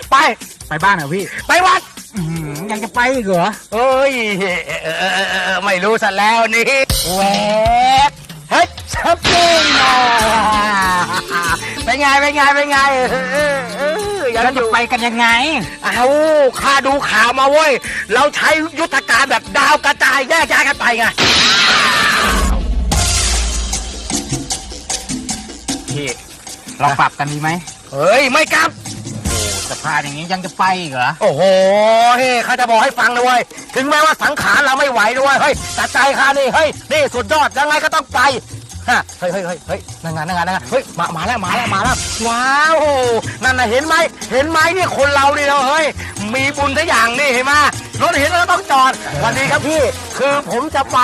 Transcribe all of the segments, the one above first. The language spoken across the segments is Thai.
ไปบ้านเหรอพี่ไปวัดยังจะไปอีกเหรอเอ้ยไม่รู้ซะแล้วนี่แหวกเฮ้ยชับปิ้งเป็นไงแล้วจะไปกันยังไงเอาข้าดูข่าวมาเว้ยเราใช้ยุทธการแบบดาวกระจายแยกย้ายกันไปไงพี่เราปรับกันดีไหมเฮ้ยไม่กลับสภาพอย่างนี้ยังจะไปอีกเหรอโอ้โหเฮ้ยข้าจะบอกให้ฟังนะเว้ยถึงแม้ว่าสังขารเราไม่ไหวด้วยเฮ้ยแต่ใจข้านี่เฮ้ยนี่สุดยอดยังไงก็ต้องไปฮะเฮ้ยนั่งงานเฮ้ยมาแล้วว้าวนั่นน่ะเห็นไหมนี่คนเรานี่เราเฮ้ยมีบุญทุกอย่างนี่เห็นไหมรถเห็นแล้วต้องจอดวันนี้ครับพี่คือผมจะไป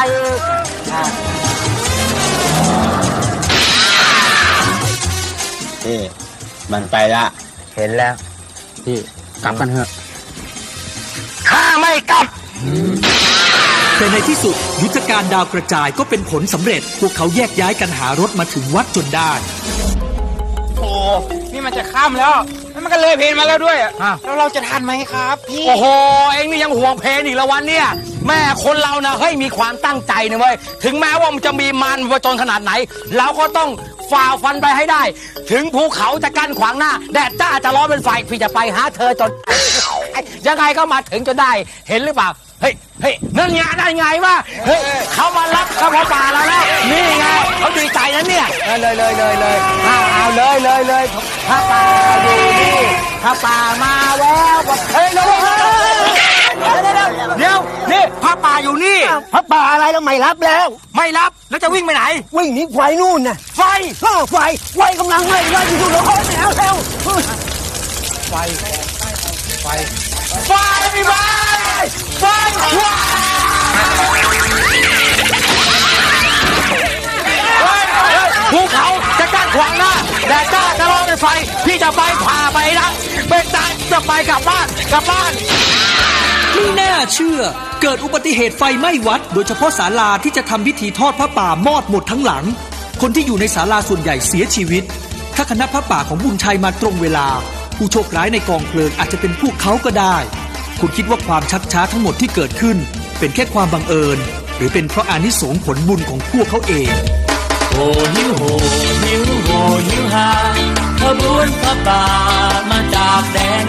พี่มันไปละเห็นแล้วพี่กลับกันเถอะข้าไม่กลับแต่ในที่สุดยุทธการดาวกระจายก็เป็นผลสำเร็จพวกเขาแยกย้ายกันหารถมาถึงวัดจนได้โอ้นี่มันจะข้ามแล้วมันก็เลยเพลมาแล้วด้วยแล้วเราจะทันไหมครับพี่โอ้โหเอ็งนี่ยังห่วงเพลอีกแล้ววันเนี่ยแม่คนเรานะเฮ้ยมีความตั้งใจนะเว้ยถึงแม้ว่ามันจะมีมันผจญขนาดไหนเราก็ต้องฝ่าฟันไปให้ได้ถึงภูเขาจะกั้นขวางหน้าแดดจ้าจะร้อนเป็นไฟพี่จะไปหาเธอจนยังไงก็มาถึงจนได้เห็นหรือเปล่าเฮ้ยนั่นไงวะเฮ้ยเขามารับกระเพาะป่าเราแล้วนี่ไงเขาดีใจนะเนี่ยเลยเอาเลยพระป่าอยู่นี่พระป่ามาแล้วเฮ้ยเดี๋ยวนี่พระป่าอยู่นี่พระป่าอะไรแล้วไม่รับแล้วจะวิ่งไปไหนวิ่งหนีไฟนู่นน่ะไฟกำลังไหม้อยู่แล้วแล้วไฟภูเขาจะกั้นขวางหน้าแดดจ้าจะร้อนเป็นไฟพี่จะไปพาไปนะเป็นตายจะไปกลับบ้านไม่น่าเชื่อเกิดอุบัติเหตุไฟไหม้วัดโดยเฉพาะศาลาที่จะทำพิธีทอดพระป่ามอดหมดทั้งหลังคนที่อยู่ในศาลาส่วนใหญ่เสียชีวิตถ้าคณะพระป่าของบุญชัยมาตรงเวลาผู้โชคร้ายในกองเพลิงอาจจะเป็นพวกเขาก็ได้คุณคิดว่าความชักช้าทั้งหมดที่เกิดขึ้นเป็นแค่ความบังเอิญหรือเป็นเพราะอานิสงส์ผลบุญของพวกเขาเองโหหิวหาขบวนพระป่ามาจากแดน